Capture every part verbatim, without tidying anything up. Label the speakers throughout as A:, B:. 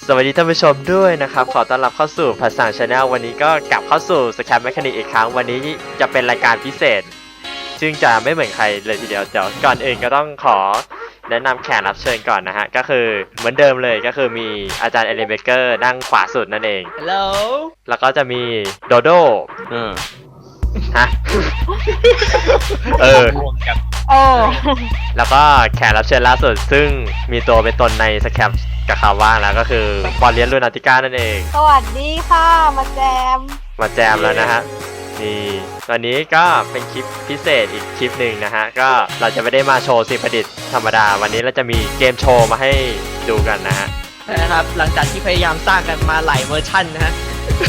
A: สวัสดีท่านผู้ชมด้วยนะครับขอต้อนรับเข้าสู่ภาษาชาแนลวันนี้ก็กลับเข้าสู่สแครปแมคานิกอีกครั้งวันนี้จะเป็นรายการพิเศษซึ่งจะไม่เหมือนใครเลยทีเดียวเดี๋ยวก่อนอื่นก็ต้องขอแนะนำแขกรับเชิญก่อนนะฮะก็คือเหมือนเดิมเลยก็คือมีอาจารย์เอเลนเบเกอร์นั่งขวาสุดนั่นเอง
B: Hello
A: แล้วก็จะมีโดโด
B: เออ
A: ฮะ เออ
C: เออ
A: แล้วก็แขกรับเชิญล่าสุดซึ่งมีตัวเป็นตนในสแครปกับคำว่างแล้วก็คือบอลเลียนลูนาติก้านั่นเอง
C: สวัสดีค่ะ มาแจม
A: มาแจมแล้วนะฮะนี่วันนี้ก็เป็นคลิปพิเศษอีกคลิปหนึ่งนะฮะก็เราจะไม่ได้มาโชว์สิ่งประดิษฐ์ธรรมดาวันนี้เราจะมีเกมโชว์มาให้ดูกันนะฮะ
B: นะครับหลังจากที่พยายามสร้างกันมาหลายเวอร์ชันนะฮะ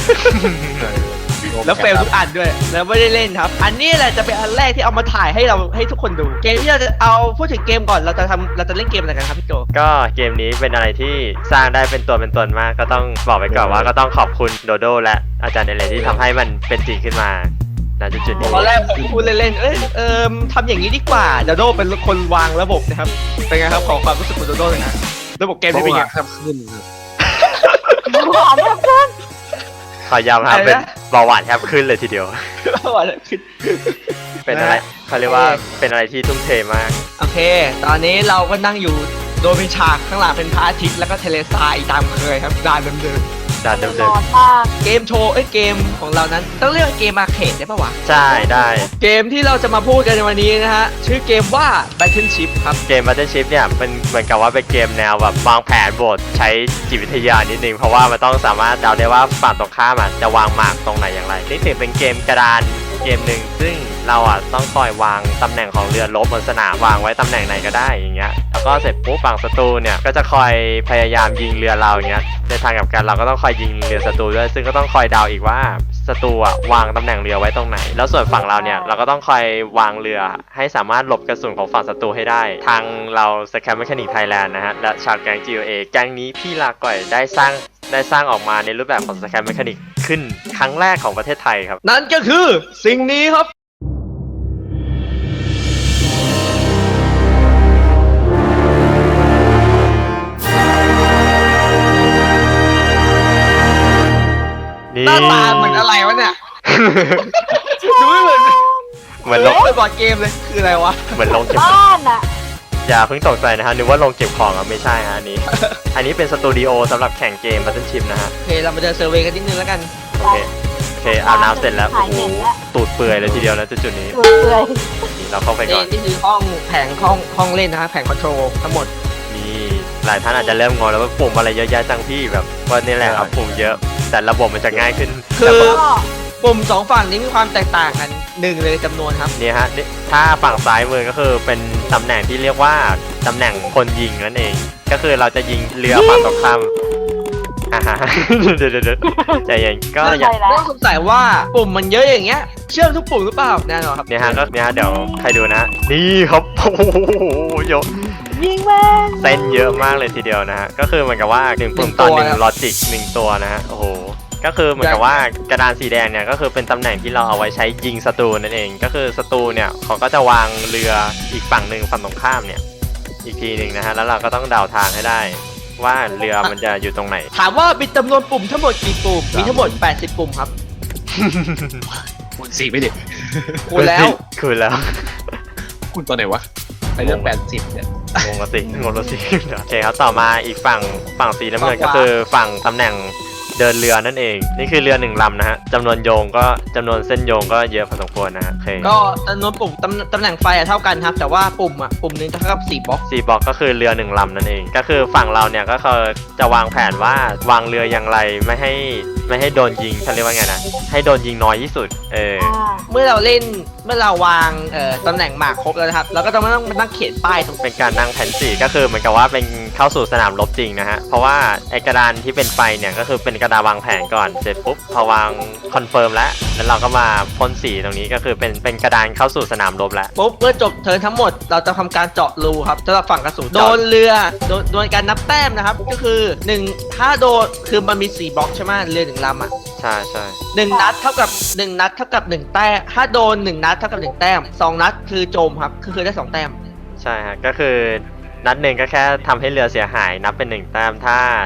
B: แล้วเฟลทุกอันด้วยแล้วไม่ได้เล่นครับ อันนี้แหละจะเป็นอันแรกที่เอามาถ่ายให้เราให้ทุกคนดู เกมที่เราจะเอาพูดถึงเกมก่อนเราจะทำเราจะเล่นเกมอะไรกันครับพี่โจ
A: ก็เกมนี้เป็นอะไรที่สร้างได้เป็นตัวเป็นตนมากก็ต้องบอกไปก่อนว่าก็ต้องขอบคุณโดโดและอาจารย์เอเลนที่ทำให้มันเป็นจริงขึ้นมาณจุดๆนี้
B: ตอนแรกผมพูดเล่นๆเอ้ยเอิมทำอย่างนี้ดีกว่าโดโดเป็นคนวางระบบนะครับเป็นไงครับขอความรู้สึกของโดโดเลยนะระบบเกมที่เป็นไง
D: ครับขึ้นครับ
C: หวานมากเพื่อน
A: ขอยำครับเป็นเบาหวานแทบขึ้นเลยทีเดียว
B: ว่าอะไรขึ้น
A: เป็นอะไรเขาเรียกว่าเป็นอะไรที่ทุ่มเทมาก
B: โอเค ตอนนี้เราก็นั่งอยู่โดยเป็นฉากข้างหลังเป็นพระอาทิตย์แล้วก็เทเลซายตามเคยครับดานเดิม
A: ด่านเดิ
C: ร้
A: ม
C: อนมาก
B: ๆเกมโชว์เอ้ยเกมของเรานั้นต้องเรียกว่าเกมอาร์เคดได้ปะวะ
A: ๆใช่ได้
B: เกมที่เราจะมาพูดกันในวันนี้นะฮะชื่อเกมว่า Battleship ครับ
A: เกม Battleship เนี่ยมันเหมือนกับว่าเป็นเกมแนวแบบวางแผนบทใช้จิตวิทยานิดนึงเพราะว่ามันต้องสามารถเดาได้ว่าฝั่งตรงข้ามอ่ะจะวางหมากตรงไหนอย่างไรนี่ถือเป็นเกมกระดานเกมหนึ่งซึ่งเราอ่ะต้องคอยวางตำแหน่งของเรือรบบนสนามวางไว้ตำแหน่งไหนก็ได้อย่างเงี้ยแล้วก็เสร็จปุ๊บฝั่งศัตรูเนี่ยก็จะคอยพยายามยิงเรือเราอย่างเงี้ยในทางกลับกันเราก็ต้องคอยยิงเรือศัตรูด้วยซึ่งก็ต้องคอยเดาอีกว่าศัตรูอ่ะวางตำแหน่งเรือไว้ตรงไหนแล้วส่วนฝั่งเราเนี่ยเราก็ต้องคอยวางเรือให้สามารถหลบกระสุนของฝั่งศัตรูให้ได้ทางเราสแครปแมคานิกไทยแลนด์นะฮะและชาวแก๊ง จี โอ เอ แก๊งนี้พี่ลาก่อยได้สร้างได้สร้างออกมาในรูปแบบของสแครปแมคานิกขึ้นครั้งแรกของประเทศไทยครับ
B: นั่นก็คือสิ่งนี้ครับ
A: นี่
B: หน้าตาเหมือนอะไรวะเนี่ย ดูไม่เหมือน
A: เหมือนลง
B: ไม่บอร์ดเกมเลยคืออะไรวะ
A: เหมือนลงเก็บ
C: บ้านอ่ะ
A: อย่าเพิ่งตกใจนะฮะนึกว่าลงเก็บของอ่ะไม่ใช่ฮะอันนี้ อันนี้เป็นสตูดิโอสำหรับแข่งเกม Battleship นะฮะ
B: โอเคเรามาเดินเซอร์เวย์กันนิดนึงแล้วกัน
A: โอเคโอเคอาบน้ำเสร็จแล้วโอ้โหตูดเปื่อยเลยทีเดียวนะจุดๆนี้
C: เปื่อย
A: นี่เราเข้าไปก่
B: นี่
A: อน
B: นี่คือห้องแผงห้องห้องเล่นนะฮะแผงคอนโทรลทั้งหมด
A: นี่หลายท่านอาจจะเริ่มงงแล้วว่าปุ่มอะไรเยอะแยะจังพี่แบบว่านี่แหละครับปุ่มเยอะ แต่ระบบมันจะง่ายขึ้น
B: คือ
A: แต่
C: ๆก็
B: ปุ่มสองฝั่งนี้มีความแตกต่างกันหนึ่งเลยจำนวนครับ
A: นี่ฮะนี่ถ้าฝั่งซ้ายมือก็คือเป็นตำแหน่งที่เรียกว่าตำแหน่งคนยิงนั่นเอง ก็คือเราจะยิงเรือฝั่งตรงข้ามอ่าฮะ เดี๋ยวเดี๋ยวเดี๋ยวใจเย็นก็
C: ไม่
A: อย่า
C: ใช่แล้ว
B: ต้องสงสัยว่าปุ่มมันเยอะอย่างเงี้ยเชื่อมทุกปุ่มหรือเปล่าแน่นอนครับ
A: เนี่ยฮะก็เนี่ยฮะเดี๋ยวใครดูนะ นี่ครับ โอ้โหเยอะ
C: ยิงแม่ง
A: เส้นเยอะมากเลยทีเดียวนะฮะก็คือเหมือนกับว่าหนึ่งปุ่มต่อหนึ่งลอจิกหนึ่งตัวนะฮะโอ้โหก็คือเหมือนกับว่ากระดานสีแดงเนี่ยก็คือเป็นตำแหน่งที่เราเอาไว้ใช้ยิงศัตรูนั่นเอง ก็คือศัตรูเนี่ยเขาก็จะวางเรืออีกฝั่งหนึ่งฝั่งตรงข้ามเนี่ยอีกทีหนึ่งนะฮะแล้วเราก็ต้องเดาทางให้ได้ ว่าเรือมันจะอยู่ตรงไหน
B: ถามว่ามีจำนวนปุ่มทั้งหมดกี่ปุ่มมีทั้งหมดแปดสิบปุ่มครับ
D: คุณสี่ไม่เด็ก
B: คูณแล้ว
A: คุณแล้ว
D: คุณตัวไหนวะไปเรื่องแปดสิบเนี่ย
A: งงละสิงงละสิโอเคครับต่อมาอีกฝั่งฝั่งสีน้ำเงินก็คือฝั่งตำแหน่งเดินเรือนั่นเองนี่คือเรือหนึ่งลำนะฮะจำนวนโยงก็จำนวนเส้นโยงก็เยอะพอสมควรนะฮะโอเค
B: ก็จำนวนปุ่มตำตำแหน่งไฟอะเท่ากันครับ แต่ว่าปุ่มอะปุ่มหนึงเท่ากับสี่บล็อก
A: สี่บล็อกก็คือเรือหนึ่งลำนั่นเอง ก็คือฝั่งเราเนี่ยก็คือจะวางแผนว่าวางเรืออย่างไรไม่ให้ไม่ให้โดนยิงเขาเรียกว่าไงนะให้โดนยิงน้อยที่สุดเออ
C: อ่า
B: เมื่อเราเล่นเมื่อเราวางเอ่อตำแหน่งหมากครบแล้วนะครับเราก็จะไม่ต้องมานั่งเขียนป้ายตรง
A: เป็นการนั่งแผนสี่ก็คือเหมือนกับว่าเป็นเข้าสู่สนามรบจริงนะฮะเพราะว่าไอกระดานที่เป็นไฟเนี่ยก็คือเป็นกระดานวางแผนก่อนเสร็จปุ๊บพอวางคอนเฟิร์มแล้วแล้วเราก็มาพ่นสีตรงนี้ก็คือเป็นเป็นกระดานเข้าสู่สนามรบแล้ว
B: ปุ๊บเมื่อจบเทิร์นทั้งหมดเราจะทำการเจาะรูครับสำหรับฝั่งกระสุน
A: เจาะ
B: โดนเรือโดนโดนการนับแต้มนะครับก็คือหนึ่งถ้าโดนคือมันมีสี่บล็อกใช่ไหมเรือหนึ่งลำอ่ะ
A: ใช่ใช่
B: หนึ่งนัดเท่ากับหนึ่งนัดเท่ากับหนึ่งแต้มถ้าโดนหนึ่งนัดเท่ากับหนึ่งแต้มสองนัดคือโจมครับคือคือได้สองแต้ม
A: ใช่ฮะก็คือนัดหนึ่งก็แค่ทำให้เรือเสียหายนับเป็นหนึ่งแต้มถ้า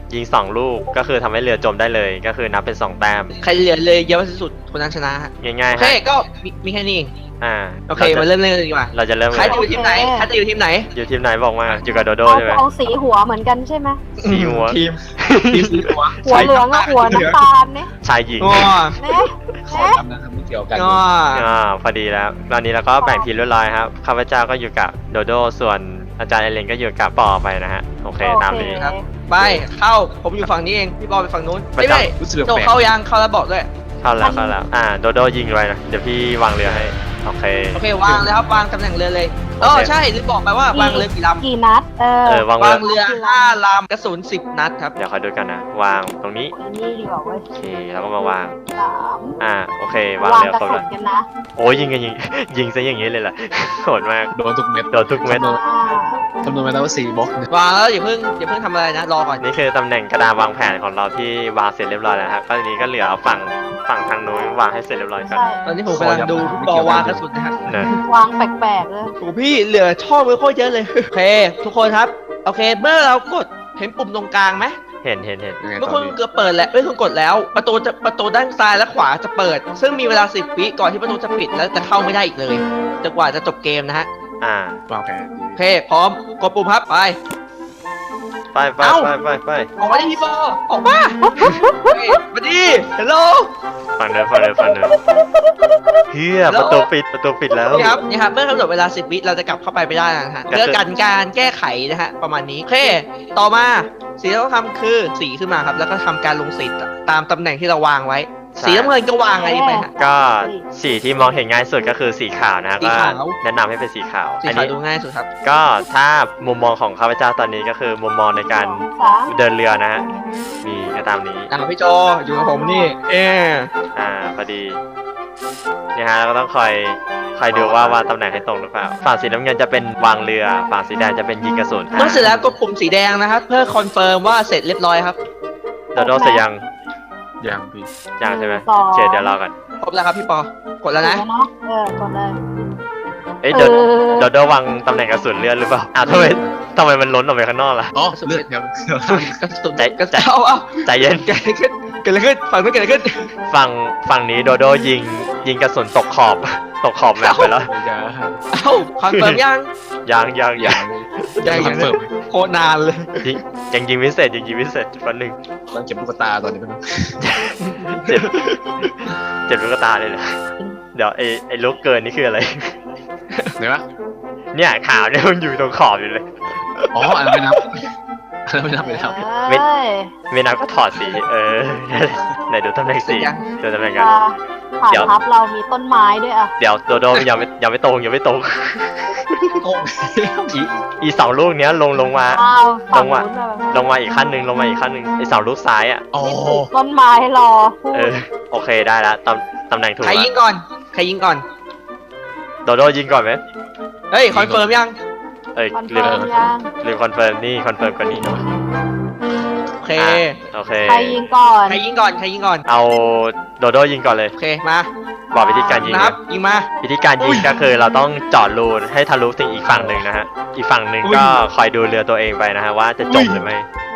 A: ยิงสองลูกก็คือทำให้เรือจมได้เลยก็คือนับเป็นสองแต้ม
B: ใครเหลือเลยเยอะที่สุดคนนั้นชนะฮะ
A: ง่าย
B: โอ
A: ๆ
B: เค
A: ฮะ
B: ก็มีมีแค่นี้เอง
A: อ่า
B: โอเค
A: เรา
B: มา
A: จะ
B: เริ่มเล่นกันดีกว่า
A: เราจะเริ่ม
B: ใครจะอยู่ทีมไหนใครจะอยู่ทีมไหน
A: อยู่ทีมไหนบอกมาอยู่กับโดโด
C: เรา
A: ใช่ไหม
C: เอาสีหัวเหมือนกันใช่ไหม
A: สีหัว
D: ทีมทีมสีหัว
C: หัวเหลืองกับหัวน้ำตาลเนี่ย
A: ชายหญิง
B: อ๋อ
C: เนะ
D: ขอ
C: เนะ
D: จำนะครับไม่เกี่ยวกัน
B: อ๋อ
A: อ่าพอดีแล้วตอนนี้เราก็แบ่งทีมเรียบร้อยครับข้าพเจ้าก็อยู่กับโดโดส่วนอาจารย์เอเลนก็อยู่กับปอไปนะฮะโอเคตามนี้
B: ครับไปเข้าผมอยู่ฝั่งนี้เองพี่บอลไปฝั่งนู้น
A: ไป
B: ไม่
A: จับ
B: ไม่
D: รู้สึก
B: โจ
D: แปลก
B: เข้ายังเข้าแล้วบอกด้วย
A: เข้าแล้วเข้าแล้วอ่าโดโดยิงไว้นะเดี๋ยวพี่วางเรือให้โอเค
B: โอเควางเลยครับวางตำแหน่งเรือเลยเออ
A: โอเค
B: ใช่ลืมบอกไปว่าวางเรือกี่ลำ
C: กี่นัด เออ
A: เออวาง
B: วางเรือห้าลำกระสุนสิบนัดครับ
A: เดี๋ยวคอยดูกันนะวางตรงนี้
C: อันนี้ดีกว่าเว้ย
A: โอเคแล้วก็มาวาง
C: สาม
A: อ่าโอเควาง
C: วาง
A: เรือก
C: ระ
A: ครบ
C: สุ
A: แล้ว
C: นกันนะ
A: โอ้ยยิงกันยิง ยิงซะอย่างนี้เลยล่ะ โหดมาก
D: โดนทุกเม็ด
A: โดนทุกเม็ด
C: อ่า
D: คำนวณมาแล้วว่าสี่บล็อกเนี่ย
B: วางแล้วอย่าเพิ่งอย่าเพิ่งทำอะไรนะรอก่อน
A: นี่คือตำแหน่งกระดานวางแผนของเราที่วางเสร็จเรียบร้อยแล้วครับก็ทีนี้ก็เหลือฝั่งฝั่งทางนู้นวางให้เสร็จเรียบร้อยก่อน
C: ใช่
B: ตอนนี้ผมกำลังดูพี่บอลวางกระสุนนะครับ
A: นะ
C: วางแปลกๆเลย
B: โอ้พี่เหลือช่องไว้โคตรเยอะเลย โอเค ทุกคนครับ โอเค เมื่อเรากดเห็นปุ่มตรงกลางไหม
A: เห็นเห็นเห็น
D: ยังไง
B: เมื่อ
D: ต
B: คุ
D: อน
B: ณ
D: นี้
B: เกือบเปิดแล้วเมื่อคุณกดแล้ว ประตูจะประตูด้านซ้ายและขวาจะเปิด ซึ่งมีเวลาสิบวิก่อนที่ประตูจะปิดแล้วจะเข้าไม่ได้อีกเลยจนกว่าจะจบเกมนะฮะ
A: อ่าว
D: างแผน
B: โอเค พร้อม กดปุ่มครับ ไป
A: ไปไป
B: เอ้า
A: ไปไปไป
B: ออกมาดิพี่บอลออกมาเฮ้ยมาดิฮัลโหล
A: ฝั่งเดินฝั่งเดินฝั่งเดินเฮียประตูปิดประตูปิดแล้ว
B: นี่ครับนี่ครับเมื่อกำหนดเวลาสิบวิเราจะกลับเข้าไปไม่ได้นะฮะ
A: ก็คือ
B: เพื่อกันการแก้ไขนะฮะประมาณนี้โอเค ต่อมาสิ่งที่ต้องทำคือสีขึ้นมาครับ แล้วก็ทำการลงสีตามตำแหน่งที่เราวางไว้ สีน้ำเงินก็วางอะไรนี้ไปฮะ
A: ก็สีที่มองเห็นง่ายสุดก็คือสีขาวนะ
B: สี
A: ก็
B: ขาว
A: แนะนำให้เป็นสีขาว
B: สี
A: อัน
B: ขาว
A: นี้
B: ดูง่ายสุดครับ
A: ก็ถ้ามุมมองของข้าพเจ้าตอนนี้ก็คือมุมมองในการ
C: สาม
A: เดินเรือนะฮะมีก็ตามนี้
B: อ่าพี่โจอยู่กับผมนี่ เออ
A: อ่าพอดีเนี่ยฮะเราก็ต้องคอยคอยดูว่าวางตำแหน่งให้ตรงหรือเปล่าฝั่งสีน้ำเงินจะเป็นวางเรือฝั่งสีแดงจะเป็นยิงกระสุน
B: เมื่อเสร็จแล้วกดปุ่มสีแดงนะครับ เพื่อคอนเฟิร์มว่าเสร็จเรียบร้อยครับ
A: โดโดเสร็จยัง
D: ยังพี่
A: ยังใช่ไหม
C: สอง
A: โอเคเดี๋ยวรอก่อน
B: ครบแล้วครับพี่ปอกดแล้วนะ
C: เนาะเออกดเลย
A: เอ้ย
C: เอ
A: โด
C: อ
A: โดโดวางตำแหน่งกระสุนเลื่อนหรือเปล่าอ้าวทำไมทำไมมันล้นออกไปข้างนอกล่ะ
D: อ๋อเลือดยัง
B: กระสุน
A: ใจ
B: กระ
A: ใจ
B: สุนเอาเอา
A: ใจเย็น
B: เกิดอะไรขึ้นเกิดอะไรขึ้นฝั่งนู้นเกิดอะไรขึ้น
A: ฝั่งฝั่งนี้โดโดยิงยิงกระสุนตกขอบ ตกขอบแมปไปแล้ว
D: อย่า
B: เอ้าคอนเฟิร์มยัง
A: ยังยังยัง
B: ยัง
D: คอนเฟิร์ม
B: โคตรนานเลย
A: ยิงยังยิงพิเศษยังยิงพิเศษวันหนึ่ง
D: ต้องเก็บลูกตาตอนนี้เป็น
A: เจ็บเจ็บลูกตาเลยนะเดี๋ยวไอ้ไอ้ลูกเกินนี่คืออะไร
D: ไหนวะ
A: เนี่ยขาวเนี่ยมันอยู่ตรงขอบอยู่เลย
D: อ๋ออันนั้นไม่นับอันนั้นไม่นับไม่นับ
A: ไม่
C: เอ้ย
A: ไม่นับก็ถอดสีเออ ไหนดูตำแหน่งสี
B: ยัง
A: ดูตำแหน่งกัน
C: อ่าฐาน
A: เดี๋ยว
C: ทัพเรามีต้นไม้ด้วยอ่ะ
A: เดี๋ยวโดโดยังไม่ยังไม่ตรงยังไม่ตรง
D: โอ้
A: อีอีสองลูกเนี้ยลงลงมา
C: อ้าวฝั่ง
A: ลงมา
C: นู้นแบบ
A: ลงมาอีกขั้นหนึ่งลงมาอีกขั้นหนึ่งไอ้สองลูกซ้ายอ่ะ
D: อ๋อ
C: นี่ปลูกต้นไม้รอพูด
A: เออโอเคได้ละตำตำแหน่งถูก
B: ใครยิง
A: ละ
B: ก่อน ใครยิงก่อน
A: โดโดยิงก่อนไหม
B: เฮ้ย คอนเฟิร์มยัง
A: เอ้ย
C: คอน
A: ลื
C: เฟิ
A: ม
C: ร์มยัง
A: ลืมคอนเฟิร์มนี่คอนเฟิร์มก่อนนี่
B: โอเค
A: อ่ะโอเค
C: ใครยิงก่อน
B: ใครยิงก่อน ใครยิงก่อน
A: เอาโดโดยิงก่อนเลย
B: โอเค มา
A: บอกวิธีการยิง
B: นะค
A: นะ
B: รับ ยิงมา
A: วิธีการยิงก็คือเราต้องเจาะรูให้ทะลุถึงอีกฝั่งหนึ่งนะฮะอีกฝั่งหนึ่งก็คอยดูเรือตัวเองไปนะฮะว่าจะจมหรือไม่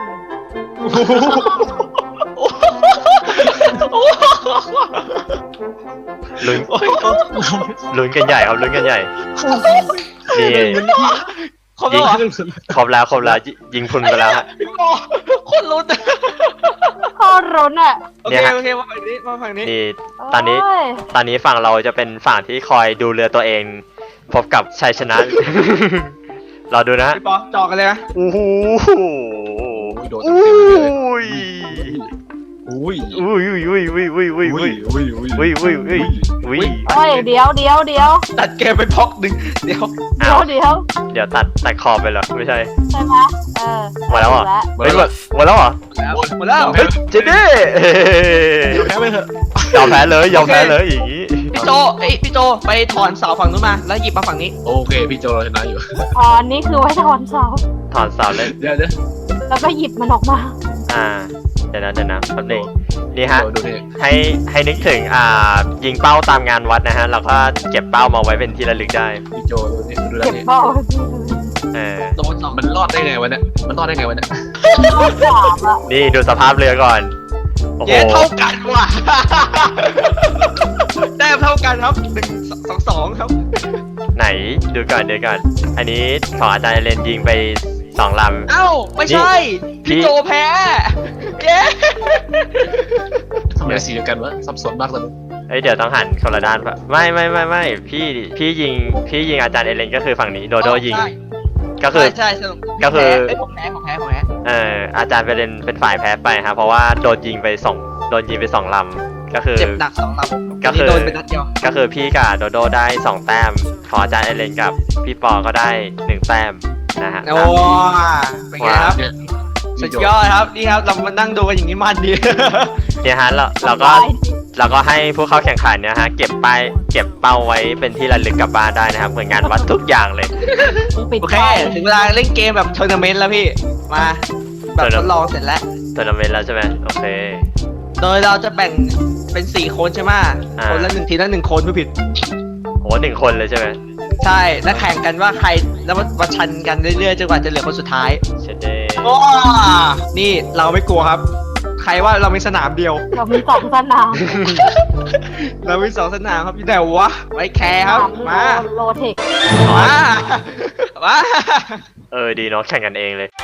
A: ลุ้นลุ้นกันใหญ่ครับลุ้นกันใหญ่นี่
B: ครบแล้วเหรอ
A: ครบแล้วครบแล้วยิยิงพรุนไปแล้วฮะ
B: พี่บอลโคนลุ้น
C: โคตรรุนอ่ะ
B: โอ
A: เนี่
B: เค
A: ยฮะ
B: โอเค มาฝั่งนี้ มาฝั่งนี้
A: นี่ตอนนี้
C: โย
A: ตอนนี้ฝั่งเราจะเป็นฝั่งที่คอยดูเรือตัวเอง พบกับชัยชนะ เราดูนะฮะ
B: พี่ปอจอกันเลยนะ
A: โอ้โห
D: โดน
A: อุ้
D: เต็มๆเลย
A: ย
D: อุ้ย
A: อุ้ยอุ้ยอุ้ยอุ้ยอุ้ยอุ้ยอุ้ย
D: อุ้ยอุ้ย
A: อุ้ยอุ้ยอุ้ยอุ้ย
C: เฮ้ยเดี๋ยวเดี๋ยวเดี๋ยว
B: ตัดเกมไปพ็อกหนึ่งเดี๋ยว
C: เดี๋ยวเดี๋ยว
A: เดี๋ยวตัดตัดคอไปเหรอไม่ใช่
C: ใช่ไหมเออ
A: หมดแล้วเหรอ
C: ถูก
A: เฮ้ยหมดหมดแล้วเหรอ
B: แล้วหมดแล้ว
A: เฮ้ยเจเด้
D: เดี๋ยวแพ้ไปเถอะ
A: ยอมแพ้เลยยอมแพ้เลยอย่างงี้
B: พี่โจเอ้ยพี่โจ ไปถอนเสาฝั่งนู้นมา แล้วหยิบมาฝั่งนี้
D: โอเคพี่โจเราชนะอยู่
C: อ๋ออันนี้คือไว้ถอนเสา
A: ถอนเสาเลย
D: เดี๋ยวเดี๋ยว
C: แล้วก็หยิบมันออกมา
A: อ่าเดี๋ยวนะเดี๋ยวนะแป๊บนึงนี่ฮะ
D: ดูนี่
A: ให้ให้นึกถึงอ่ายิงเป้าตามงานวัดนะฮะแล้วก็เก็บเป้ามาไว้เป็นที่ระลึกได้
D: พี่โจดูนี่ดูแล
C: เก็บ
D: นี่
C: เบ้า
A: เออ
B: โดนสอง
D: มันรอดได้ไงวะเนี่ยมันรอดได้ไงวะเนี่ย
C: ข้อสามอะ
A: นี่ดูสภาพเรือก่อนโอ้โห
B: เย้เท่ากันว่ะ แต้มเท่ากันครับหนึ่งสองสองครับ
A: ไหนดูก่อนดูก่อน อันนี้ของอาจารย์เรนยิงไปสองล
B: เอ้าไม่ใช่
A: พี่
B: พี่โจแพ้เย้
D: ทำไมสีเดียวกันวะสับสนมากเลย
A: ำเอ้ยเดี๋ยวต้องหันคนละด้านปะไม่ไม่ไม่ไม่พี่พี่ยิงพี่ยิงอาจารย์เอเลนก็คือฝั่งนี้โดโดยิง
B: ใช่
A: ก็คือ
B: ใช่ใช่สรุป
A: ก็คือ
B: เอ้ยผมแพ้ผมแพ้ผมแพ้
A: เอออาจารย์เอเลนเป็นฝ่ายแพ้ไปครับเพราะว่าโดนยิงไปสองโดนยิงไปสองลำก็คือ
B: เจ็บหนักสองลำ
A: ก็คือ
B: โดนเป็นนัดเดียว
A: ก็คือพี่กับโดโดได้สองแต้มของอาจารย์เอเลนกับพี่ปอก็ได้หนึ่งแต้มนะฮะ
B: โอ้เป็นไงครับ
D: เนี่ย
B: สุดยอดครับนี่ครับเรามานั่งดูกันอย่างนี้มันดี
A: เนี่ยฮะเราเราก็เราก็ให้ผู้เข้าแข่งขันเนี่ยฮะเก็บป้ายเก็บเป้าไว้เป็นที่ระลึกกลับบ้านได้นะครับเหมือนงานวัดทุกอย่างเลย
C: ปิด
B: โอเค
C: ไฟ
B: ถึงเวลาเล่นเกมแบบทัวร์นาเมนต์แล้วพี่มาแบบทดลองเสร็จแล้ว
A: ทัวร์นาเมนต์แล้วใช่ไหมโอเค
B: โดยเราจะแบ่งเป็นสี่คนใช่ไหม
A: อ่า
B: คนละหนึ่งทีละหนึ่งคนไม่ผิด
A: โหหนึ่งคนเลยใช่ไหม
B: ใช่แล้วแข่งกันว่าใครแล้วมาชันกันเรื่อยๆจนกว่าจะเหลือคนสุดท้าย
A: เชดเด
B: ว้านี่เราไม่กลัวครับ ใครว่าเรามีสนามเดียว
C: เรามีสองสนาม
B: เรามีสองสนามครับอยู่ไหนวะไว้แคร์ครับมา
C: โลเทค
B: มามา
A: เออดีเนาะแข่งกันเองเลย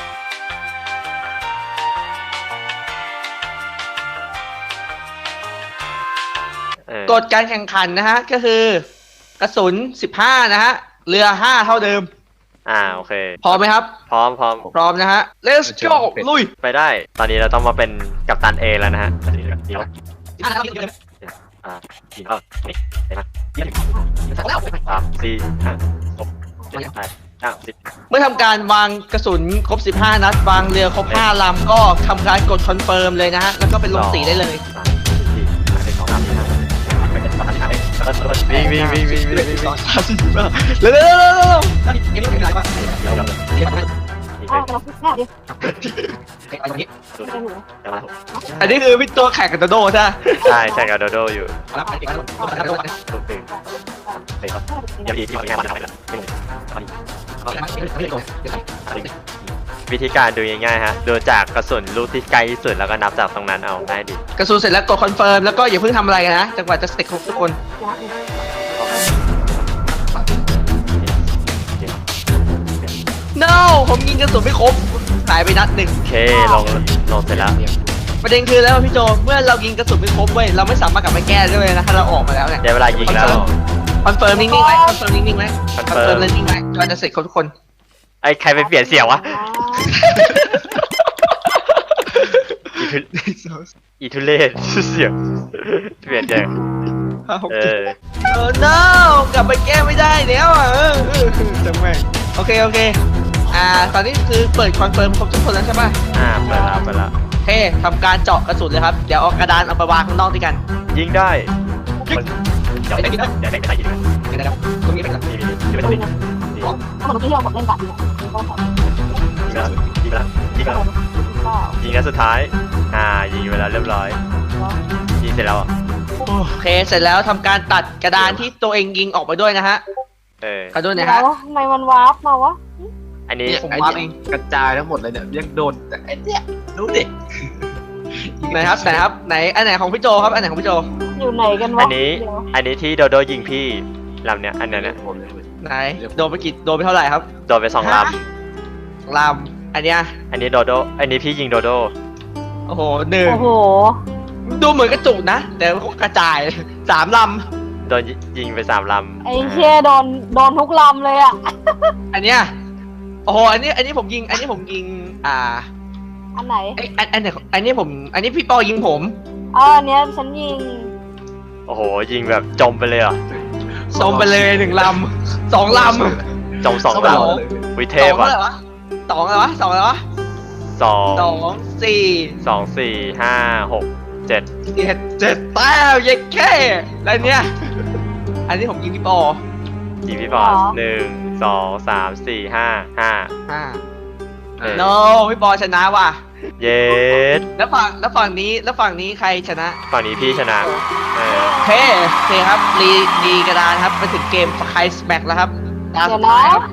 A: เออก
B: ฎการแข่งขันนะฮะก็คือกระสุนสิบห้านะฮะเรือห้าเท่าเดิม
A: อ่าโอเค
B: พร้อมไหมครับ
A: พร้อมพร้อม
B: พร้อมนะฮะ let's go ลุย
A: ไปได้ ตอนนี้เราต้องมาเป็นกัปตันเอแล้วนะฮะดีแล้วอ่าดีแล้วนี่เห็นไหมยี่สิบสามสี่ห้าหกเจ็ดแปดเก้าสิบ
B: เมื่อทำการวางกระสุนครบสิบห้านัดวางเรือครบห้าลำก็ทำการกดคอนเฟิร์มเลยนะฮะแล้วก็เป็นลงสีได้เลย
A: สามสี่ห้าสองสามสี่ห้าเป็นกัปตันเอวิ่งวิ่งวิ่งวิ่งวิ่งวิ่งวิ่ง
B: เร็วเร็วเร็วเร็วเร็วนี่เป็นอะไรวะ
A: เดี๋ยวเดี๋ยวเดี๋ยว
C: อ้าวเราพิดแค่ดิ
B: ไปตรงนี้
C: ไม่ได้หนู
B: อันนี้คือพี่ตัวแข่งกับโดโดใช่ไหม
A: ใช่ใช่กับโดโดอยู่
B: รับไปอีกแล้ว
A: ถูกตื่นเฮ้ยครับอย่าพีที่เขางานมาทำอะไรนะวิธีการดูง่ายๆฮะดูจากกระสุนลูกที่ใกล้ที่สุดแล้วก็นับจากตรงนั้นเอาง่ายดี
B: กระสุนเสร็จแล้วกดคอนเฟิร์มแล้วก็อย่าเพิ่งทำอะไรกันนะจนกว่าจะเสร็จครบทุกคน no ผมยิงกระสุนไม่ครบหายไปนัดหนึ่ง
A: โอเคลงลงเสร็จแล้ว
B: ประเด็นคือแล้วพี่โจเมื่อเรายิงกระสุนไม่ครบเว้ยเราไม่สามารถกลับมาแก้ได้เลยนะถ้าเราออกมาแล้วเนี่ย
A: ได้เวลายิงแล้ว
B: คอนเฟิร์มนิ่งๆไว้คอนเฟิร์มนิ่งๆไว้คอน
A: confirm
B: เฟิร์มนิ่งๆไว้จนจะเสร็จครบทุกคน
A: ไอ้ใครไปเปลี่ยนเสียงวะอีทุอีทุเล่เสียงเปลี่ยนเสียงเออ
B: เออ no กลับไปแก้ไม่ได้แล้วอ่ะเออเออจังแม่งโอเคโอเคอ่าตอนนี้คือเปิดคอนเฟิร์มครบทุกคนแล้วใช่ป่ะ
A: อ่าไปแล้วไปแล้ว
B: โอเคทำการเจาะกระสุนเลยครับเดี๋ยวเอากระดานเอาไปวางข้างนอกด้วยกัน
A: ยิงได้เดี๋ยวได้เดี๋ยวได้ไปยิง
B: เดี๋ยวนะครับตรงนี้เป็นกับ
A: นี่นี่นี่ไปตรงนี้
C: ถ้ามันที่เราบอกเล่นแบบนี้ก็แบบ
A: ยิงแล้วยิงแล้วยิงแล้วยิงแล้วสุดท้าย อ่า ยิงไปแล้วเรียบร้อย ยิงเสร็จแล้ว
B: โอเคเสร็จแล้วทำการตัดกระดานที่ตัวเองยิงออกไปด้วยนะฮะ
A: เออ
B: ขอด้วยนะ
C: แล้
B: ฮะ
C: วทำไมมันวาร์ปมาวะ
A: อันนี้
B: ผมวาร์ปเอง
D: กระจายทั้งหมดเลยเนี่ยยังโดนแต่ไอ้เนี่ยดูดิ
B: ไหนครับไหนครับไหนอันไหนของพี่โจครับอันไหนของพี่โจ
C: อยู่ไหนกันวะ
A: อันนี้ อันนี้ที่โดโดยิงพี่ลำเนี้ย อันเนี้ยเนี่ย
D: ผมเลย
B: ไหนโดนไปกี่โดนไปเท่าไหร่ครับ
A: โดนไปสองล
B: ลำอันเนี้ย
A: ำ อันนี้โดโด อันนี้พี่ยิงโดโด
B: โอ้โหหนึ่ง
C: โอ้โห
B: ดูเหมือนกระจุกนะ แต่กระจายสามล
A: โดนยิงไปสามลำ
C: ไอ้เชี่ยโดนโดนทุกลำเลยอ่ะ
B: ำอันเนี้ยโอ้โหอันนี้อันนี้ผมยิง อันนี้ผมยิง อ่า
C: อันไหน
B: ไออันอันไหนอันนี้ผม อันนี้พี่ปอยิงผม
C: อ๋ออันเนี้ยฉันยิง
A: โอ้โห ยิงแบบจมไปเลยเหรอ่ะ
B: สมไปเลยหนึ่งลำสองลำ
A: จมสอง
B: สอง
A: ล
B: ล
A: ำวิเท
B: สอ
A: พ
B: งเท่าไหร่
A: อ่ะ
B: วะสองอะไรวะสองอะไรวะ
A: สอง
B: สองสี่
A: สองสี่ห้าหกเจ็ด
B: เจ็ดเจ็ดแต้มเย็ดแค่แล้วเนี้ยอันนี้ผมยิงพี่ปอ
A: ยิงพี่บอส
C: อ๋อ
A: หนึ่งสองสามสี่ห้าห้า
B: ห้า
A: เออ
B: โนพี่ปอชนะว่ะ
A: เย็ด
B: แล้วฝั่งแล้วฝั่งนี้แล้วฝั่งนี้ใครชนะ
A: ฝั่งนี้พี่ชนะเออ
B: โอเคโอเคครับรีรีกระดานครับไปถึงเกมไคสแม็กแล้วครับตา
C: เดี๋
B: สุ
C: ยว
B: ดท้าย
C: นะ
B: ครับ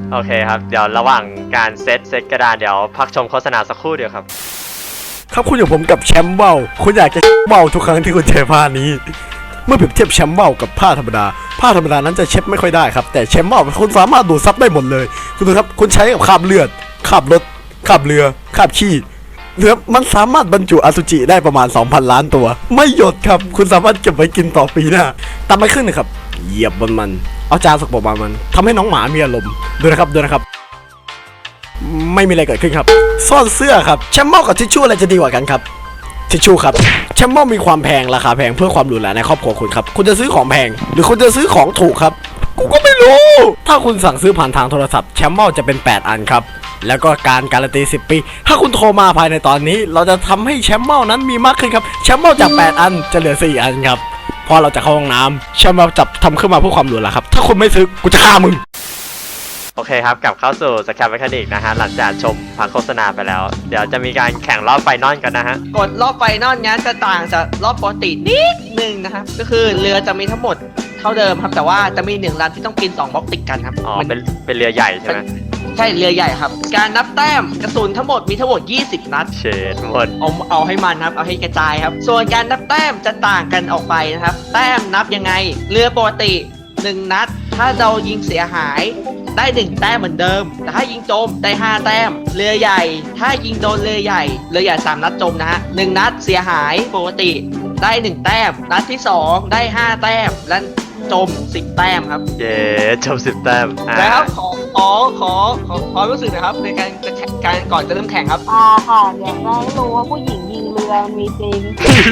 A: โอเคครับเดี๋ยวระหว่างการเซตเซตกระดานเดี๋ยวพักชมโฆษณาสักครู่เดียวครับ
E: ครับคุณอยู่ผมกับแชมป์เบ้าคุณอยากจะเบ้าทุกครั้งที่คุณเจอผ้านี้ เมื่อเปรียบเทียบแชมป์เบ้ากับผ้าธรรมดาผ้าธรรมดานั้นจะเช็ดไม่ค่อยได้ครับแต่แชมป์เบ้าคุณสามารถดูดซับได้หมดเลยคุณดูครับคุณใช้กับคราบเลือดคราบรถคราบเรือคราบขี้เรือมันสามารถบรรจุอสุจิได้ประมาณ สองพัน ล้านตัวไม่หยดครับคุณสามารถเก็บไว้กินต่อปีหน้าตามไปขึ้นนะครับเหยียบบนมันเอาจานสกปรกมามันทำให้น้องหมามีอารมณ์ดูนะครับดูนะครับไม่มีอะไรเกิดขึ้นครับซ่อนเสื้อครับแชมป์เบ้ากับทิชชู่อะไรจะดีกว่ากันครับทิชชู่ครับแชมป์เบ้ามีความแพงราคาแพงเพื่อความหรูหราในครอบครัวคุณครับคุณจะซื้อของแพงหรือคุณจะซื้อของถูกครับกูก็ไม่รู้ถ้าคุณสั่งซื้อผ่านทางโทรศัพท์แชมป์เบ้าจะเป็นแปดอันครับแล้วก็การการันตีสิบปีถ้าคุณโทรมาภายในตอนนี้เราจะทำให้แชมป์เบ้านั้นมีมากขึ้นครับแชมป์เบ้าจากแปดอันจะเหลือสี่อันครับพอเราจะเข้าห้องน้ำแชมป์เบ้าจับทำขึ้นมาเพื่อความหรูหราครับถ้าคุณไม่ซื้อกูจะฆ่ามึง
A: โอเคครับกลับเข้าสู่สแคปเมคานิกนะฮะหลังจากชมพักโฆษณาไปแล้ว เดี๋ยวจะมีการแข่งรอบไฟนอลกันนะฮะ
B: กดรอบไฟนอลงั้นจะต่างจากรอบปกตินิดนึงนะครับก็คือเรือจะมีทั้งหมดเท่าเดิมครับแต่ว่าจะมีหนึ่งลำที่ต้องกินสองบล็อกติดกันครับ
A: อ๋อ
B: มัน
A: เป็นเป็นเรือใหญ่ใช่ไหม
B: ใช่เรือใหญ่ครับการนับแต้มกระสุนทั้งหมดมีทั้งหมดยี่สิบนัด
A: เชดหมด
B: เอาเอาให้มันครับเอาให้กระจายครับส่วนการนับแต้มจะต่างกันออกไปนะครับแต้มนับยังไงเรือปกติหนึ่งนัดถ้าเรายิงเสียหายได้หนึ่งแต้มเหมือนเดิมแต่ถ้ายิงจมได้ห้าแต้มเรือใหญ่ถ้ายิงโดนเรือใหญ่เรือใหญ่สามนัดจมนะฮะหนึ่งนัดเสียหายปกติได้หนึ่งแต้มนัดที่สองได้ห้าแต้มและจมสิบแต้มครับ
A: เย้จบสิบแต้มอ่า
B: แล้วขอขอขอขอความรู้สึกนะครับในการจะแข่งการก่อนจะเริ่มแข่งครับ
C: อ่าค่ะเดี๋ยวจะให้รู้ว่าผู้หญิงยิงเรือมันมีจริง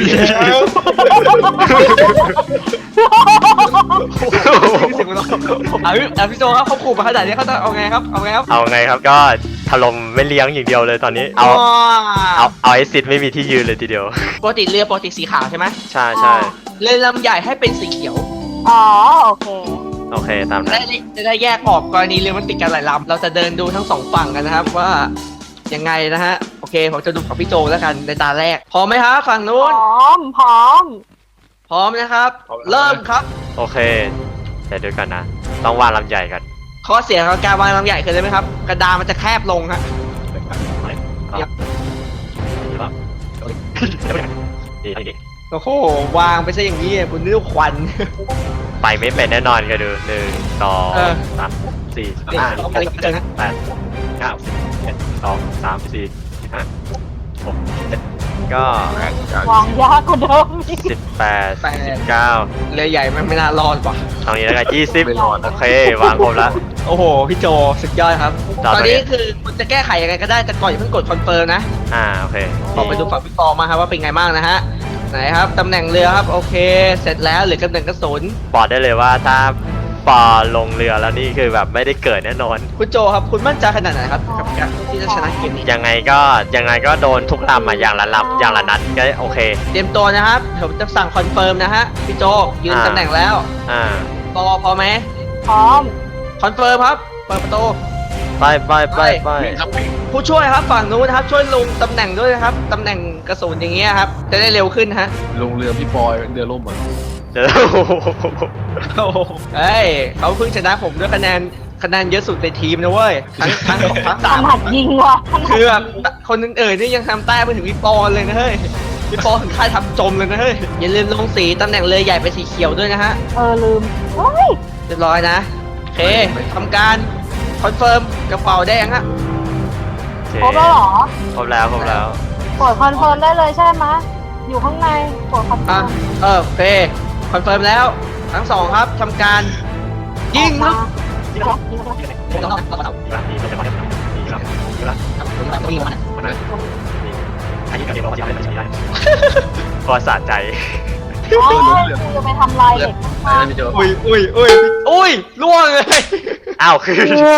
B: เสียงมันร้องอ่ะพี่อ่ะพี่โจครับเขาขู่มาขนาดนี้เขาจะเอาไงครับเอาไงครับ
A: เอาไงครับก็ถล่มไม่เลี้ยงอย่างเดียวเลยตอนนี้เอาเอาเอาไอซิดไม่มีที่ยืนเลยทีเดียว
B: ปกติเรือปกติสีขาวใช่ไหม
A: ใช่ใช่
B: เรือลำใหญ่ให้เป็นสีเขียว
C: อ๋อโอเค
A: โอเคตาม
B: จะ
A: นั้
B: ได้
A: น
B: จะได้แยกออกกรณีเรือมันติดกันหลายลำเราจะเดินดูทั้งสองฝั่งกันนะครับว่ายังไงนะฮะโอเคผมจะดูของพี่โจแล้วกันในตาแรกพร้อมไหมครับฝั่ง
C: พ
B: นู้น
C: ร้อมพร้อม
B: พร้อมนะครับ เริ่มครับ
A: โอเคเดี๋ยวดูกันนะ ต้องวางลำใหญ่กัน
B: ข้อเสียของการวางลำใหญ่คืออะไรไหมครับกระดานมันจะแคบลงฮะ โอ้โหวางไปซะอย่างนี้คุณนึกว่าควัน
A: ไปไม่เป็นแน่นอนกันดูหนึ่งสอง
B: เออ
A: สามสี่
B: เนี่ย
A: ห้า
B: เอาอะไรเจอนะ
A: แปดเก้าเจ็ดสองสามสี่ห้าหกเจ็ดก็
C: วางยากกว่าเดิมอีก
A: สิบแปดสิบเก้า
B: เรือใหญ่มันไม่น่ารอดว่ะ
A: ตรงนี้แล้วกันยี่สิบ
D: ไม่รอดนะ
A: โอเควางครบแล้ว
B: โอ้โหพี่โจสุดยอดครับ
A: ต่อ
B: ตอน
A: ไป
B: นี้คือคุณจะแก้ไขยังไงก็ได้แต่ก่อนอย่าเพิ่งกดคอนเฟิร์มนะ
A: อ่าโอเค
B: ขอไปดูฝั่งพี่ปอมาครับว่าเป็นไงบ้างนะฮะไหนครับตำแหน่งเรือครับโอเค เสร็จแล้วเหลือตำแหน่งกระสุน
A: บอกได้เลยว่าถ้าปอลงเรือแล้วนี่คือแบบไม่ได้เกิดแน่นอน
B: คุณโจครับคุณมั่นใจขนาดไหนครับกับการที่จะชนะเกมนี้
A: ยังไงก็ยังไงก็โดนทุกลำอ่ะอย่างละลำอย่างละนัดก็โอเค
B: เตรียมตัวนะครับผมจะสั่งคอนเฟิร์มนะฮะพี่โจยืน
A: อ่า
B: ตำแหน่งแล้ว
A: อ่า
B: ปอพอไหม
C: พร้อม
B: คอนเฟิร์มครับเปิดประตู
A: ไปไปไปไป
B: ผู้ช่วยครับฝั่งนู้นนะครับช่วยลงตำแหน่งด้วยนะครับตำแหน่งกระสุนอย่างเงี้ยครับจะได้เร็วขึ้นฮะ
D: ลงเรือพี่ปอยเรือล่มอ่ะ
A: เดี๋ยว
B: โอ้โหเฮ้ยเขาเพิ่งชนะผมด้วยคะแนนคะแนนเยอะสุดในทีมนะเว้ยทั้งทั้งทั้ง
C: ถ
B: สาม
C: นัดยิงว่ะถนัด
B: คือแบบคนอื่นๆนี่ยังทำแต้มไปถึงพี่ปอนเลยนะเฮ้ยพี่ปอถึงค่ายทำจมเลยนะเฮ้ยอย่าลืมลงสีตำแหน่งเรือใหญ่ไปนสีเขียวด้วยนะฮะ
C: เออลืมเฮ้ย
B: เรียบร้อยนะโอเคทำการคอนเฟิร์มกระเป๋าแดงฮะ
C: ครบแล้วเหรอ
A: ครบแล้วครบแล้ว
C: กดคอนเฟิร์มได้เลยใช่ไหมอยู่ข้างในกดคอนเฟิ
B: อ่ะ
C: ร์ม
B: เออโอเคคอนเฟิร์มแล้วทั้งสองครับทำการยิงครับ
C: ยิงครับยิงครับ
A: ก็สะใจ
C: อ๋อคุณจะไปทำลายเด็กข้าง
D: ไม่เจอ
B: อุ้ยอุ้ยอุ้ยอุ้ยล่วงเลย
A: อ้าวคือ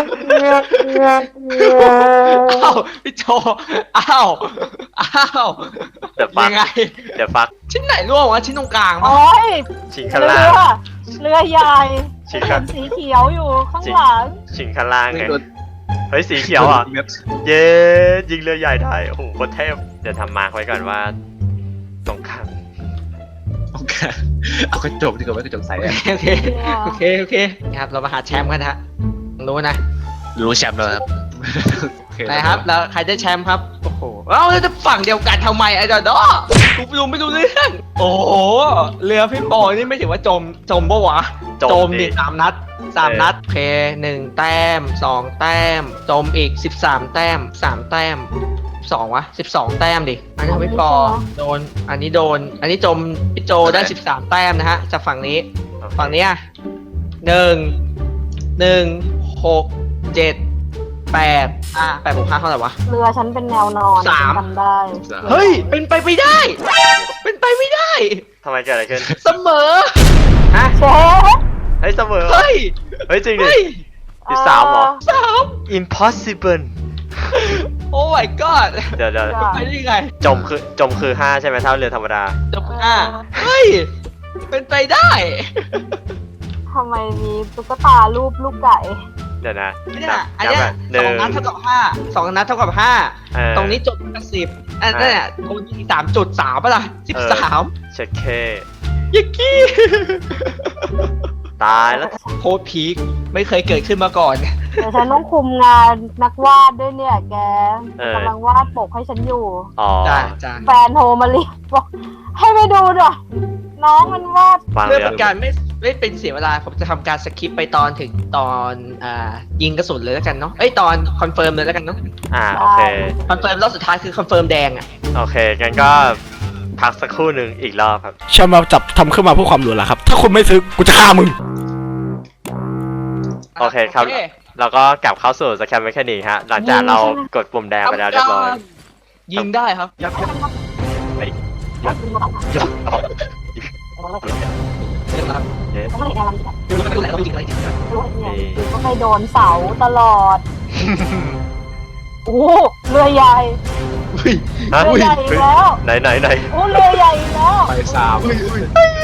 B: อ้าวพี่โจอ้าวอ้าว
A: เดี๋ยวฟัก
B: ยังไง
A: เดี๋ยวฟัก
B: ชิ้นไหนร่วงวะชิ้นตรงกลาง
C: โอ้
B: ปะ
C: ย
A: ชิงข้าง
C: เรื
A: ล่าง
C: อเรือใหญ่
A: ชิง
C: เห็
A: ข้าง
C: นสีเขียวอยู่ข้างหลัง
A: ชิงข้างล่าง
D: ไม่
A: ไง
D: โดน
A: เฮ้ยสีเขียวอ่ะ
D: เม็ด
A: เย้ยิงเรือใหญ่ได้โอ้โหโคตรเทพเดี๋ยวทำมาร์คไว้ก่อนว่าตรงข้าง
D: โอเคเอากระจกดีกว่าไม่กระจกใสอะ
B: โอเคโอเคโอเคโอเคนะครับเรามาหาแชมป์กันนะฮะรู้นะ
D: รู้แชมป์แล้วครับ
B: นะครับแล้วใครได้แชมป์ครับโอ้โหเอ้าแล้วจะฝั่งเดียวกันทำไมไอ้ดอดอกูดูไม่ดูเรื่องโอ้โหเรือพี่ปอนี่ไม่ถือว่าจมจมปะวะ
A: จม
B: ดิ
A: ดิ
B: สามนัดสามนัดโอเคหนึ่งแต้มสองแต้มจมอีกสิบสามแต้มสามแต้มสองวะสิบสองแต้มดิอันนี้พี่ปอโดนอันนี้โดน อันนี้จมพี่โจได้สิบสามแต้มนะฮะจากฝั่งนี้ฝั่งเนี้ยหนึ่งหนึ่งหกเจ็ดแปดอ่ะแปดบวกห้าเท่าไหร่วะ
C: เรือฉันเป็นแนวนอน
B: สาม
C: ฉันจำได้
B: เฮ้ย เป็นไปไม่ได้ เป็นไปไม่ได้
A: ทำไมเกิดอะไรขึ้น
B: เสมอ ฮะ
C: เชฟ
A: เฮ้ยเสมอ
B: เฮ้ย
A: เฮ้ยจริงดิ
B: เฮ้ย
A: สิบสามเหรอ
B: สาม
A: impossible
B: โอ้ my god
A: เดี๋ยวเดี๋ยว
B: ไปได้ยังไง
A: จมคือจมคือห้าใช่ไหมเท่าเรือธรรมดา
B: จบห้าเฮ้ย เป็นไปได้
C: ทำไมมีตุ๊กตารูปลูกไก่
A: เดี๋ยวนะ
B: เนี่ย
A: นับ
B: อัน
A: นับ
B: เนี้ย
A: แบบห
B: ส
A: นึ่
B: อง
A: ง
B: นัดเท่ากับห้าสองนัดเท่ากับห้า
A: เออ
B: ตรงนี้จบกับสิบอันนั้นเนี่ยโดนยิงสามจุดสามป่ะล่ะสิบสาม
A: เช็คเค
B: ยิกกี้
A: ตายแล้ว
B: โคตรพีคไม่เคยเกิดขึ้นมาก่อน
C: เดี๋ยวฉันต้องคุมงานนักวาดด้วยเนี่ยแก
A: เออ
C: กำลังวาดปกให้ฉันอยู่
A: อ๋อ
B: จ้าจ้า
C: แฟนโทรมาเรียกบอกให้ไปดูหน่อยน้องมันวาด
A: ฟัง
B: เพื่อ
A: เรือ
B: เป็นการไม่ไม่เป็นเสียเวลาผมจะทำการสคิปไปตอนถึงตอนอ่ายิงกระสุนเลยแล้วกันเนาะเอ้ยตอนคอนเฟิร์มเลยแล้วกันเนาะ
A: อ่าโอเค
B: คอนเฟิร์มรอบสุดท้ายคือคอนเฟิร์มแดงอ่ะ
A: โอเคงั้นก็พักสักครู่หนึ่งอีกรอบครับ
E: แชมป์เราจับทำขึ้นมาเพื่อความหรูหราครับ ถ้าคุณไม่ซื้อกูจะฆ่ามึง
A: โอเคครับ เราก็กลับเข้าสู่สแคมเมคานิกฮะ หลังจากเรากดปุ่มแดงไปแล้วเรียบร้อย
B: ยิงได้ครับยับยับ
A: ไปยับยับยับเย้
C: ไม่เห็นอะไรเลย
B: ดูแล้วดูแล้วต้องยิงอะไรจริง
C: รู้เนี่ยคือก็ไปโดนเสาตลอด โอ้เรือใหญ่
A: ฮะ
C: เรือใหญ่อีกแล้ว
A: ไหนไหนไหน
C: โอ้เรือใหญ่อีกแล้ว
D: ไปสาม
B: อุ้ยอุ้ย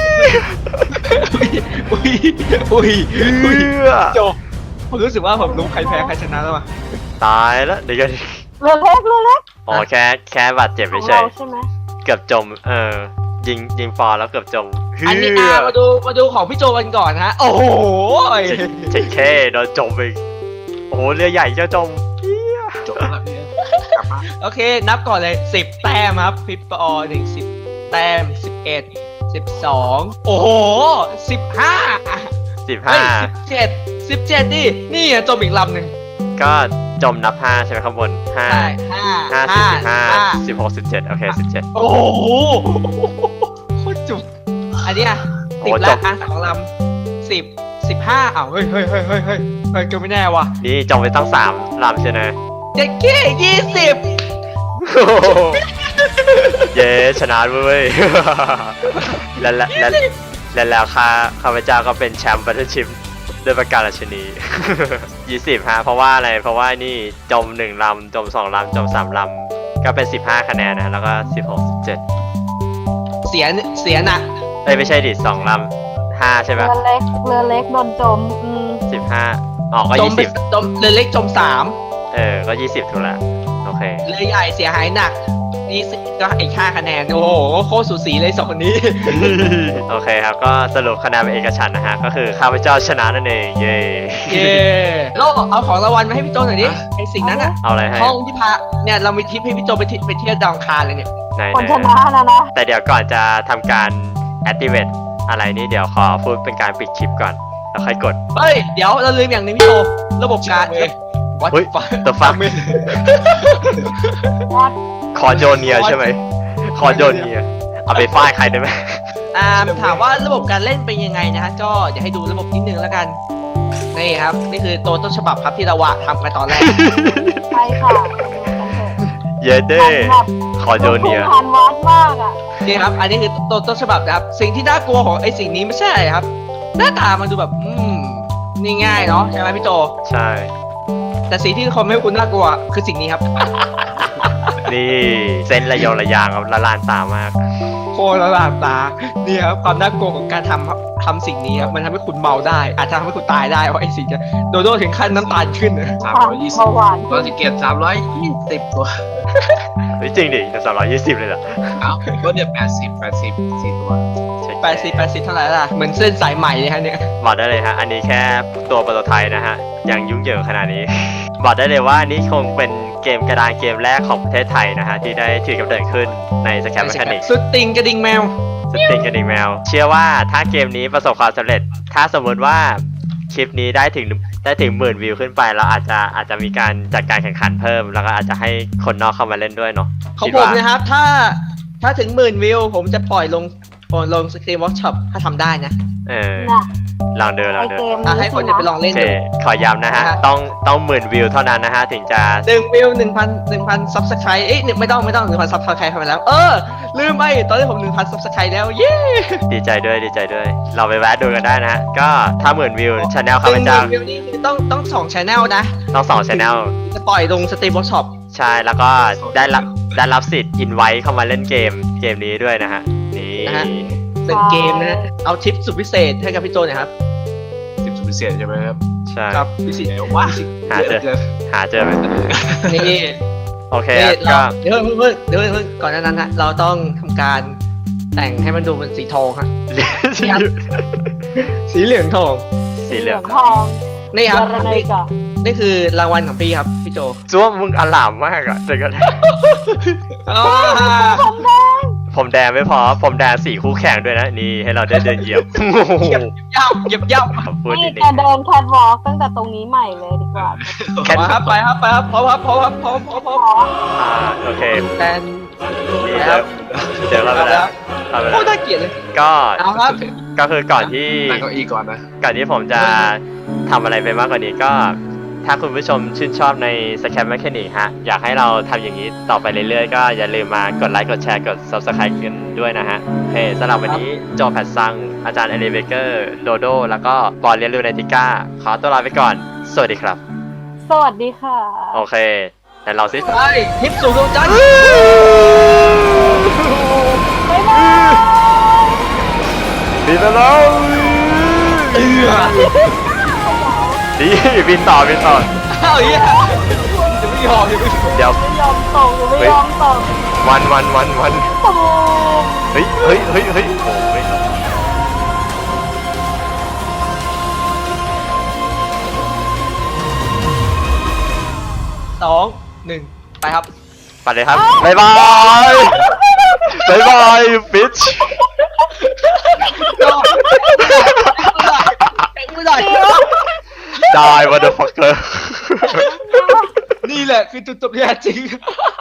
B: อุ้ยอุ้ยอุ้ย
A: เอื้อ
B: โจผมรู้สึกว่าผมรู้ใครแพ้ใครชนะแล้วว่ะ
A: ตายแล้วเดี๋ยวกัน
C: เรือเล็กเรือเล็ก
A: อ๋อแค่แค่บาดเจ็บ
C: ขอ
A: ไม่
C: ง
A: ใช่
C: เราใช่ไหม
A: เกือบจม เออ ยิงยิงฟอร์แล้วเกือบจม
B: อันนี้
A: เฮื
B: อ่ะมาดูมาดูของพี่โจกันก่อนฮะโอ้โห
A: เจ็ดเคโดนจมไปโอ้โหเรือใหญ่เจ้าจม
D: จบแล้วพี่กลับมา
B: โอเค นับก่อนเลยสิบแต้มครับพี่ปอหนึ่งสิบแต้มสิบเอ็ดสิบสองโอ้โหสิบห้า
A: สิบ
B: เฮ้
A: ห้าย
B: สิบเจ็ดสิบเจ็ดดินี่อ่ะจมอีกลำหนึ่ง
A: ก็จมนับห้าใช่ไหมข้างบนห้า
B: ใช่ห้า
A: ห้าสิบสิบห้าสิบหกสิบเจ็ดโอเคสิบเจ็ด
B: โอ้โหโคตรจุกอันเนี้ย
A: โอ้
B: สิบ
A: จ
B: ละ
A: บ
B: อ่ะสองลำสิบสิบห้าอ้าวเฮ้ยเฮ้ยเฮ้ยเฮ้ยเฮ้ยเฮ้ยก็ไม่แน่ว่ะ
A: นี่จมไปตั้งสามลำใช่ไหม
B: เจ็ดเก้ยี่สิบ
A: เย้ชนะเว้ย และและและและแล้วข้าข้าพเจ้าก็เป็นแชมป์บัตเทิลชิพด้วยประการราชนี ยี่สิบฮะเพราะว่าอะไรเพราะว่านี่จมหนึ่งลำจมสองลำจมสามลำก็เป็นสิบห้าคะแนนนะแล้วก็สิบหกสิบเจ็ด
B: เสียเสียหนัก
A: เอ้ยไม่ใช่ดิสองลำห้าใช่
C: เรื
A: ปะ
C: อเล็กเรือเล็กโดนจมอืม
A: สิบห้าอ๋อก็
B: จม
A: ยี่
B: ไป
A: สิบ
B: จมเรือเล็กจมสาม
A: เออก็ยี่สิบถูกละโอเค
B: เรือใหญ่เสียหายหนักยี่สิบก็อีกห้าคะแนนโอ้โหโคตรสูสีเลยสองคนนี้
A: โอเคครับก็สรุปคะแนนเป็นเอกฉันท์นะฮะก็คือข้าพเจ้าชนะนั่นเองเย้
B: เย้โลกเอาของรางวัลมาให้พี่โจหน่อยดิไอสิ่งนั้นอะ
A: เอาอะไรให้
B: ห้องที่พาเนี่ยเรามีทริปให้พี่โจไปที่ไปเที่ยวดาวอังคารเลยเนี่ย
A: ไหน
C: คน
A: ไหน
C: ชนะนะนะ
A: แต่เดี๋ยวก่อนจะทำการ activate อะไรนี่เดี๋ยวขอพูดเป็นการปิดคลิปก่อนแล้วค่อยกด
B: เฮ้ยเดี๋ยวเราลืมอย่างหนึงพี่โจระบบการเอ้ยวัด
A: เฮ้ย
B: ฟัง
A: the fuck
C: วัด
A: คอโจเนียใช่ไหมคอโจเนียเอาไปฟาดใครได้ไหม
B: อ่าถามว่าระบบการเล่นเป็นยังไงนะฮะก็เดี๋ยวให้ดูระบบนิดนึงแล้วกันนี่ครับนี่คือตัวต้นฉบับครับที่เราวะทำกันตอนแรก
C: ไปค่ะไปดูกันเถอะ
A: เยเด้
C: แบบ
A: คอโจเนีย
C: ผ่านวัดมากอ่ะ
B: นี่ครับ อันนี้คือตัวต้นฉบับนะครับ สิ่งที่น่ากลัวของไอ้สิ่งนี้ไม่ใช่อะไรครับ หน้าตามันดูแบบ อืม นี่ง่ายเนาะใช่ไหมพี่โจ
A: ใช่
B: แต่สิ่งที่คนไม่ให้คุณน่ากลัวคือสิ่งนี้ครับ
A: นี่เส้นระยองระยางครับละลานตามาก
B: โคตรละลานตา นี่ครับความน่ากลัวของการทำครับทำสิ่งนี้ครับ มันทำให้คุณเมาได้ อาจจะทำให้คุณตายได้เพราะไอ้สิ่งจะโดโดถึงขั้นน้ำตาลขึ้นนะ
D: สาม
C: ความ
D: ร้อยยี่สิบ
C: เบาหวาน
D: ตัวสิเกตสามร้อยยี่สิบตัว
A: เฮ้ยจริงดิจะสองร้อยยี่สิบเลยเหรอ
D: เอ้าก็เนี่ยแปดสิบแปดสิบสี่ตัว
B: แปดสิบแปดสิบเท่าไหร่ล่ะ เหมือนเส้นสายใหม่เลยฮะเนี่ย
A: บอกได้เลยฮะ อันนี้แค่ตัวโปรโตไทป์นะฮะ ยังยุ่งเหยิงขนาดนี้บอกได้เลยว่านี่คงเป็นเกมกระดานเกมแรกของประเทศไทยนะฮะที่ได้ถือกำเนิดขึ้นในสแครปแมคานิก
B: สุดติงกระดิ่งแมว
A: สติงกระดิ่งแมว เชื่อว่าถ้าเกมนี้ประสบความสำเร็จ ถ้าสมมติว่าคลิปนี้ได้ถึงได้ถึงหมื่นวิวขึ้นไปเราอาจจะอาจจะมีการจัดการแข่งขันเพิ่ม แล้วก็อาจจะให้คนนอกเข้ามาเล่นด้วยเนาะ
B: ของ
A: คิด
B: ผม
A: ว่า
B: นะครับ ถ้าถ้าถึงหมื่นวิว ผมจะปล่อยลงลงสตรีมเวิร์กช็อปถ้าทำได้นะ
A: เออ
C: น่ะ
A: ลองดูล
C: ไอ
A: องดู
C: เกม
B: อ่ะ
C: นี้
B: ให้คน
C: สิ
B: เดี๋ยวไปล
C: นะ
B: อง
A: โอ
B: เล่น
A: เค
B: ดู
A: ขอย้ำนะฮะ
B: นะฮะ
A: ต้องต้องหมื่นวิวเท่านั้นนะฮะถึงจะ
B: หนึ่งวิวหนึ่งพันหนึ่งพันซับสไครต์เอ้ยหนึ่งไม่ต้องไม่ต้องหนึ่งพันซับสไครต์เข้าไปแล้ว เออ ลืมไปตอนนี้ผมหนึ่งพันซับสไครต์แล้ว เย้
A: ดีใจด้วยดีใจด้วย เราไปแวะดูกันได้นะฮะ ก็ถ้าหมื่นวิวช anel ข้าพ
B: หนึ่ง
A: เจ้า
B: วิวนี่คือต้องต้องสองชแนลนะ
A: ต้องสองช anel
B: จะปล่อยลงสตรีมเวิร์กช็อป
A: ใช่แล้วก็ได้รับได้รับสิทธิ์อินไว้เข้ามาเล่นเกมเกมนี้ด้วยนะฮะ นี่
B: นะฮะ หนึ่งเกมนะฮะเอาทิปสุดพิเศษให้กับพี่โจหน่อยครับ
D: สิบสุดพิเศษใช่ไหมครับ
A: ใช่
B: ครับพิเศษ
D: เดี๋ยวว่า
A: หาเจอ หาเจอไหม
B: นี่
A: โอเค
B: นี่
A: ครับ
B: เรา
A: ก็
B: เดี๋ยวเพิ่งเดี๋ยวเพิ่งก่อนหนานั้นฮะเราต้องทำการแต่งให้มันดูเป็นสีทองฮะ สีเหลืองทอง
A: สีเหลือง
C: ทอง
B: นี่ครับ
C: เยอะเลย
B: นี่
C: จ้ะ
B: นี่คือรางวัลของพี่ครับพี่โจ
A: จ้วมมึงอลามมากอะเดี๋ยวก็
C: ผมแดง
A: ผมแดงไม่พอ ผมแดงสีคู่แข่งด้วยนะ นี่ให้เราได้เดินเหยียบ
B: เหยียบย่ำเหยียบย่
A: พูด
C: นี่
A: นิดนึ
C: จะ
A: ง
C: เดินแคทวอล์กตั้งแต่ตรงนี้ใหม่เลยดีกว่า
A: แค่
B: ำมาครับไปครับไปครับพร้อมครับพร้อมครับพร้อมพร้อมพร้อม
A: อ่าโอเค
B: แทน
A: นี่
B: แล้
A: เดี๋ยว
B: ว
A: เดี๋ยวเราไปแล้วเราไป
B: โค
A: แล้ว
B: ตรน่าเกลียดเลย
A: ก็
B: เอาครับ
A: ก็คือก่อนที่
D: นั่งเก้าอี้ก่อนนะ
A: ก่อนที่ผมจะทำอะไรไปมากกว่านี้ก็ ถ้าคุณผู้ชมชื่นชอบใน Scam Mechanic ฮะ อยากให้เราทำอย่างนี้ต่อไปเรื่อยๆ ก็อย่าลืมมากดไลค์ กดแชร์ กด Subscribe กันด้วยนะฮะโอเคสำหรับวันนี้โจแพทซัง อาจารย์เอลิเบเกอร์ โดโด แล้วก็ปอนเรียนรู้ในติก้า ขอตัวลาไปก่อน สวัสดีครับ
C: สวัสดีค่ะ
A: โอเค แต่เราสิ
B: ไปทิปสู่ดวงจันทร์
C: บ๊ายบาย
A: บินแล้ว
B: เอือ
A: ดีบินต่อบินต่อ
B: อ้าวเหี้ยจะไม่ยอมจะไม่ยอม
A: เดี๋ยว
C: ไม่ยอมตกไม่ยอมตก
A: วันวันวันวัน
C: ตูม
A: เฮ้ยเฮ้ยเฮ้ยเฮ้ยโอ้ย
B: สองหนึ่งไปครับ
A: ไปเลยครับบ๊ายบายบ๊ายบายฟิช
B: ไม่ได้
A: die motherfucker
B: นี่แหละคือจุดจบที่แท้จริง